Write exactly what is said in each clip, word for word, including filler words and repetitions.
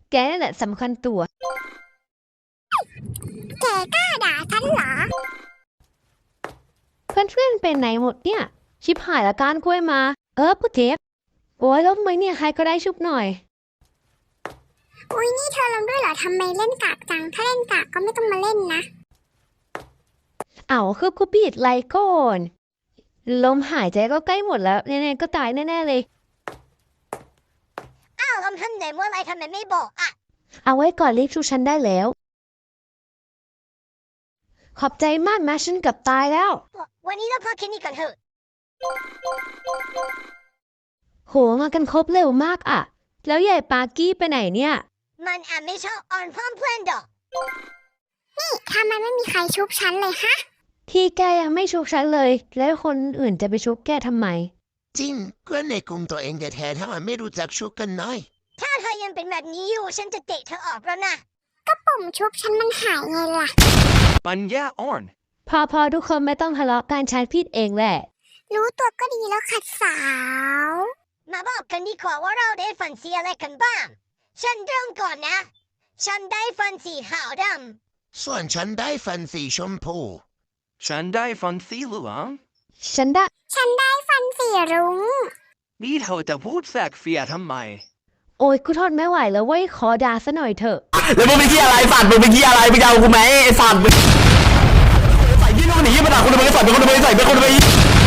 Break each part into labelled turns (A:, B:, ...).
A: แกนั่นแหละสำคัญตัว
B: แกกล้าด่าฉันเหรอ
A: เพื่อนๆเป็นไหนหมดเนี่ยชิบหายละการกล้วยมาเออผู้เจ็บโอ้ยแล้วทำไมเนี่ยใครก็ได้ชุบหน่อย
B: อุ้ยนี่เธอลงด้วยเหรอทำไมเล่นกากจังถ้าเล่นกากก็ไม่ต้องมาเล่นนะ
A: เอาคือกูปิดไลน์ก่อนลมหายใจก็ใกล้หมดแล้วแน่ๆก็ตายแน่ๆเลย
B: อ้าวลำทำไหนเมื่อไรทำไมไม่บอกอ่ะ
A: เอาไว้ก่อนรีบชูฉันได้แล้วขอบใจมากนะฉันเกือบตายแล้ว
B: วันนี้เราพอแค่นี้ก่อนเถอะ
A: โหมากันครบเร็วมากอ่ะแล้วใหญ่ปากี้ไปไหนเนี่ย
B: มันอ่ะไม่ชอบอ่อนพร้อมเพื่อนดอกนี่ทำไมไม่มีใครชุบฉันเลยฮะ
A: ที่แกยังไม่ชุบฉันเลยแล้วคนอื่นจะไปชุบแกทำไม
C: จริงก็ในกลุ่มตัวเองแท้ๆถ้ามันไม่รู้จักชุบกันน้อย
B: ถ้าเธอยังเป็นแบบนี้อยู่ฉันจะเตะเธอออกแล้วนะก็ปุ่มชุบฉันมันหายไงล่ะ
D: ปัญญาอ่อน
A: พอพอทุกคนไม่ต้องทะเลาะกันฉันผิดเองแหละ
B: รู้ตัวก็ดีแล้วขัดสาวมาบอกกันดีกว่าว่าเราได้ฟันสีอะไรกันบ้างฉันเริ่มก่อนนะฉันได้ฟันสีขาวด
C: ำส่วนฉันได้ฟันสีชมพู
D: ฉันได้ฟันสีเหลือง
A: ฉันได้
B: ฉันได้ฟันสีรุ้ง
D: นี่เธอจะพูดแสกเฟียทำไม
A: โอ้ยกูทนไม่ไหวแล้วเว้ยขอด่าซะหน่อยเถอะ
E: แล้วมึงไปเที่ยอะไรสัตว์มึงไปเที่ยอะไรมึงจะเอากูไหมไอ้สัตว์ใส่ยี่นู่นนี่ยี่มาด่าคนอื่นไปใส่เป็นคนอื่นไปใส่เป็นคนอื่นไปยี่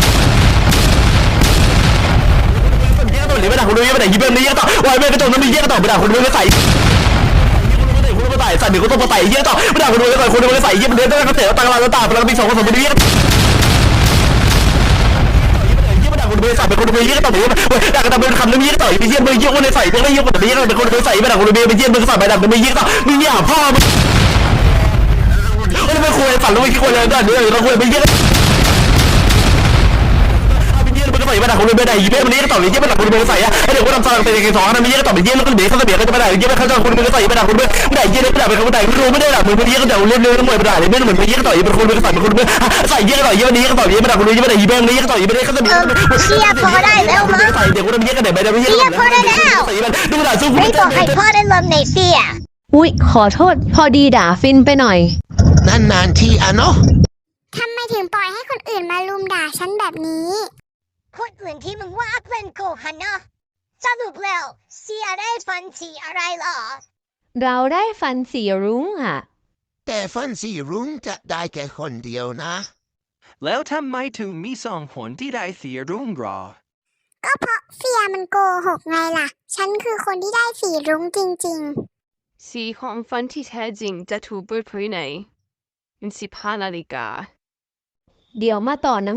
E: ต่อหรือไปด่าคนอื่นไปไหนยี่เป็นนี่ยี่ต่อวายไม่ไปตรงนั้นมียี่ต่อไปด่าคนอื่นไปใส่คนอื่นไปใส่ใส่หนึ่งก็ต้องไปใส่ยี่ต่อไปด่าคนอื่นไปใส่คนอื่นไปใส่ยี่มันเดินตั้งแต่ตั้งแต่ตั้งแต่พลังปีสองพันสองเป็นยี่คนไปใส่เป็นคนไปยี่ต่อไปด่ากันเป็นคำนึงยี่ต่อไปยี่มึงยี่คนไปใส่เป็นยี่คนไปยี่เป็นคนไปใส่ไปด่าคนไปไปยี่มึงใส่ไปด่าเป็นยี่ต่อมึงเนี่ยพ่อมึงไม่คุยฝันรู้ไม่คุยเลยด้วยเราคุยไปเยอะไปเยอะมันก็ใส่ไปด่าคนไปด่าอีเป้มันนี่ก็ต่อไปเยอะไปด่าคนไปใส่อะไอเด็กก็ทำซองเป็นกี่สองนะมีเยอะก็ต่อไปเยอะแล้วก็เดี๋ยวเขาจะเบียดก็จะไปด่าเยอะไปเขาจะคนไปใส่ไปด่าคนไปด่าเยอะไปด่าไปเขาด่าไม่รู้ไม่ได้ด่ามึงไปเยอะก็ด่าเล่นเล่นแล้วมวยไปด่าเลยไม่เหมือนไปเยอะก็ต่อเป็นคนไปใส่เป็นคนไปใส่เยอะก็ต่อเยอะนี้ก็ต่อเยอะไปด่าคนไปเยอะไปด่าอีเป้มันนี่ก็ต่ออีเป้เขาจะเบียด
B: เชียร์พอได้แล้วมั้ง
E: ใส่เด็กก็ทำเยอะก็เดี๋ยวไปด่าไปเยอะ
B: เชียร์พอได้แล้ว
E: ใส่มันดูด่าสู้
B: ไม่บอกให้พ่อได้ลมในเสีย
A: อุ๊ยขอโทษพอดีด่าฟินไปหน่อย
C: นานๆทีอ่ะเนาะ
B: ทำไมถึงปล่อยให้คนอื่นมาลุมด่าฉันแบบนี้คนอื่นที่มึงว่าเป็นกูฮันเนาะสรุปแล้วเสียได้ฟันสีอะไรหรอ
A: เราได้ฟันสีรุ้งอ่ะ
C: แต่ฟันสีรุ้งจะได้แค่คนเดียวนะ
D: แล้วทำไมถึงมีสองคนที่ได้สีรุ้งรอ
B: ก็เพราะเฟียมันโกหกไงล่ะฉันคือคนที่ได้สีรุ้งจริง
F: ๆสีของฟันที่แท้จริงจะถูกเปิดเผยในสิบห้านาฬิกา
A: เดี๋ยวมาต่อนะ